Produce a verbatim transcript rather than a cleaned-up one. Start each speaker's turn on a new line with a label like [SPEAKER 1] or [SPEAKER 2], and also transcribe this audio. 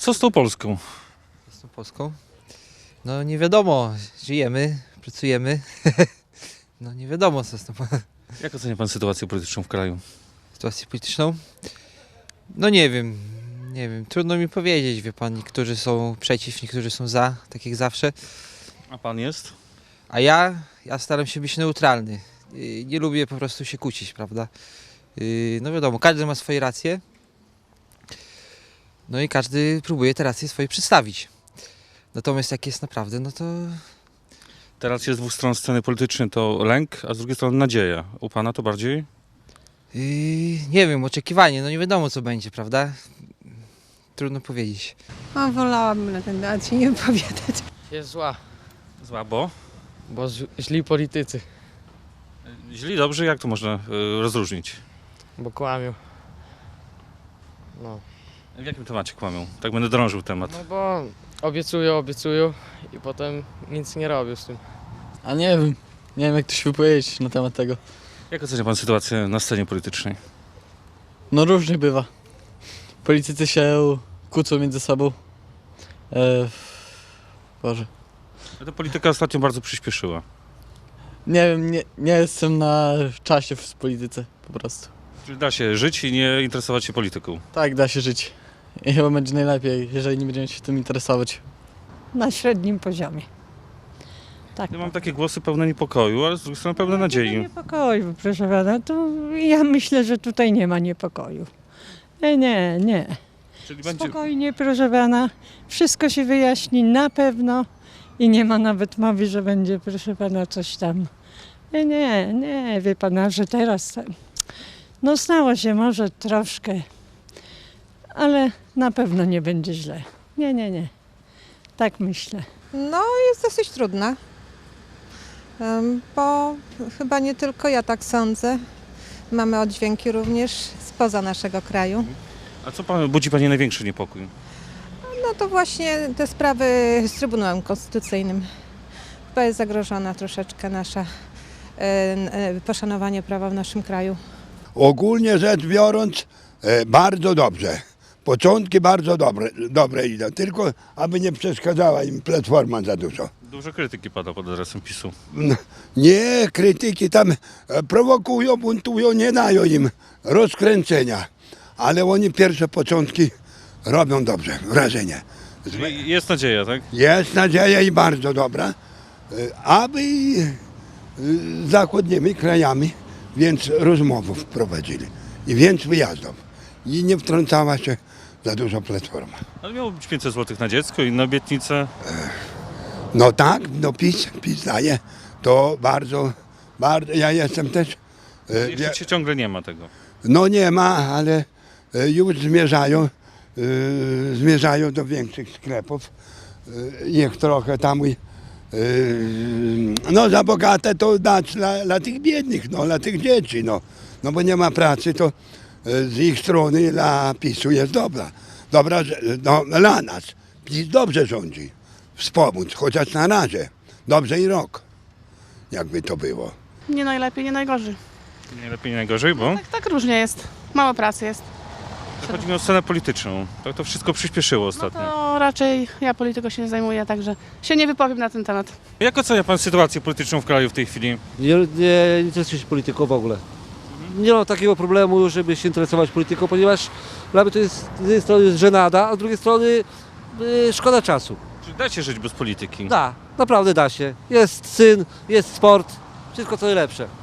[SPEAKER 1] Co z tą Polską?
[SPEAKER 2] Z tą Polską? No nie wiadomo, żyjemy, pracujemy. No nie wiadomo co z tą
[SPEAKER 1] Jak ocenia pan sytuację polityczną w kraju?
[SPEAKER 2] sytuacją polityczną. No nie wiem, nie wiem, trudno mi powiedzieć, wie pan, niektórzy są przeciw, niektórzy są za, tak jak zawsze.
[SPEAKER 1] A pan jest?
[SPEAKER 2] A ja, ja staram się być neutralny. Yy, Nie lubię po prostu się kłócić, prawda? Yy, No wiadomo, każdy ma swoje racje. No i każdy próbuje te racje swoje przedstawić. Natomiast jak jest naprawdę, no to
[SPEAKER 1] Teraz jest z dwóch stron sceny politycznej to lęk, a z drugiej strony nadzieja. U pana to bardziej?
[SPEAKER 2] yy, nie wiem, oczekiwanie, no nie wiadomo co będzie, prawda? Trudno powiedzieć.
[SPEAKER 3] A wolałabym na ten temat się nie wypowiadać.
[SPEAKER 4] Jest zła,
[SPEAKER 1] Zła, bo?
[SPEAKER 4] bo z- źli politycy,
[SPEAKER 1] Źli, dobrzy, jak to można y, rozróżnić?
[SPEAKER 4] bo kłamią. No.
[SPEAKER 1] W jakim temacie kłamią? Tak będę drążył temat.
[SPEAKER 4] no bo obiecują, obiecują i potem nic nie robią z tym.
[SPEAKER 5] A nie wiem, nie wiem jak to się wypowiedzieć na temat tego.
[SPEAKER 1] Jak ocenia pan sytuację na scenie politycznej?
[SPEAKER 5] No różnie bywa. Politycy się kłócą między sobą. E, Boże.
[SPEAKER 1] Ta polityka ostatnio bardzo przyspieszyła.
[SPEAKER 5] Nie wiem, nie, nie jestem na czasie w polityce po prostu.
[SPEAKER 1] Czyli da się żyć i nie interesować się polityką.
[SPEAKER 5] Tak da się żyć. I chyba będzie najlepiej, jeżeli nie będziemy się tym interesować.
[SPEAKER 3] Na średnim poziomie. Tak.
[SPEAKER 1] Ja mam takie głosy pełne niepokoju, ale z drugiej strony pełne nadziei.
[SPEAKER 3] Niepokoju, proszę pana. To ja myślę, że tutaj nie ma niepokoju. Nie, nie, nie.
[SPEAKER 1] Czyli będzie...
[SPEAKER 3] Spokojnie, proszę pana. Wszystko się wyjaśni na pewno i nie ma nawet mowy, że będzie, proszę pana, coś tam. Nie, nie, nie, wie pana, że teraz no stało się może troszkę, ale na pewno nie będzie źle. Nie, nie, nie. Tak myślę.
[SPEAKER 6] No, jest dosyć trudna, Em, bo chyba nie tylko ja tak sądzę. Mamy oddźwięki również spoza naszego kraju.
[SPEAKER 1] A co pan, budzi pani największy niepokój?
[SPEAKER 6] No to właśnie te sprawy z Trybunałem Konstytucyjnym. Chyba jest zagrożona troszeczkę nasza e, e, poszanowanie prawa w naszym kraju.
[SPEAKER 7] Ogólnie rzecz biorąc, e, bardzo dobrze. Początki bardzo dobre, dobre idą, tylko aby nie przeszkadzała im Platforma za dużo.
[SPEAKER 1] Dużo krytyki pada pod adresem PiSu.
[SPEAKER 7] No, nie, krytyki tam e, prowokują, buntują, nie dają im rozkręcenia, ale oni pierwsze początki robią dobrze, wrażenie.
[SPEAKER 1] Czyli jest nadzieja, tak?
[SPEAKER 7] Jest nadzieja i bardzo dobra, e, aby e, z zachodnimi krajami więcej rozmów prowadzili i więcej wyjazdów. I nie wtrącała się za dużo Platforma.
[SPEAKER 1] Ale miało być pięćset złotych na dziecko, inne obietnice.
[SPEAKER 7] No tak, no PiS, PiS daje, to bardzo, bardzo, ja jestem też, e,
[SPEAKER 1] Jeszcze
[SPEAKER 7] wie-
[SPEAKER 1] się ciągle nie ma tego.
[SPEAKER 7] no nie ma, ale e, już zmierzają, e, zmierzają do większych sklepów, e, niech trochę tam, i, e, no za bogate to dać dla, dla tych biednych, no dla tych dzieci, no, no bo nie ma pracy, to e, z ich strony dla PiSu jest dobra, dobra, że- no, dla nas, PiS dobrze rządzi, wspomóc, chociaż na razie, dobrze i rok, jakby to było.
[SPEAKER 8] Nie najlepiej, nie najgorzej.
[SPEAKER 1] Nie lepiej, nie najgorzej, bo
[SPEAKER 8] Tak, tak różnie jest. Mało pracy jest.
[SPEAKER 1] chodzi mi o scenę polityczną. Tak to wszystko przyspieszyło
[SPEAKER 8] No
[SPEAKER 1] ostatnio.
[SPEAKER 8] to raczej ja polityką się nie zajmuję, także się nie wypowiem na ten temat.
[SPEAKER 1] Jak ocenia pan sytuację polityczną w kraju w tej chwili?
[SPEAKER 9] Nie, nie interesuję się polityką w ogóle. Nie mam takiego problemu, żeby się interesować polityką, ponieważ dla mnie to jest z jednej strony jest żenada, a z drugiej strony y, szkoda czasu.
[SPEAKER 1] Czy da się żyć bez polityki?
[SPEAKER 9] Da, naprawdę da się. Jest syn, jest sport, wszystko co najlepsze.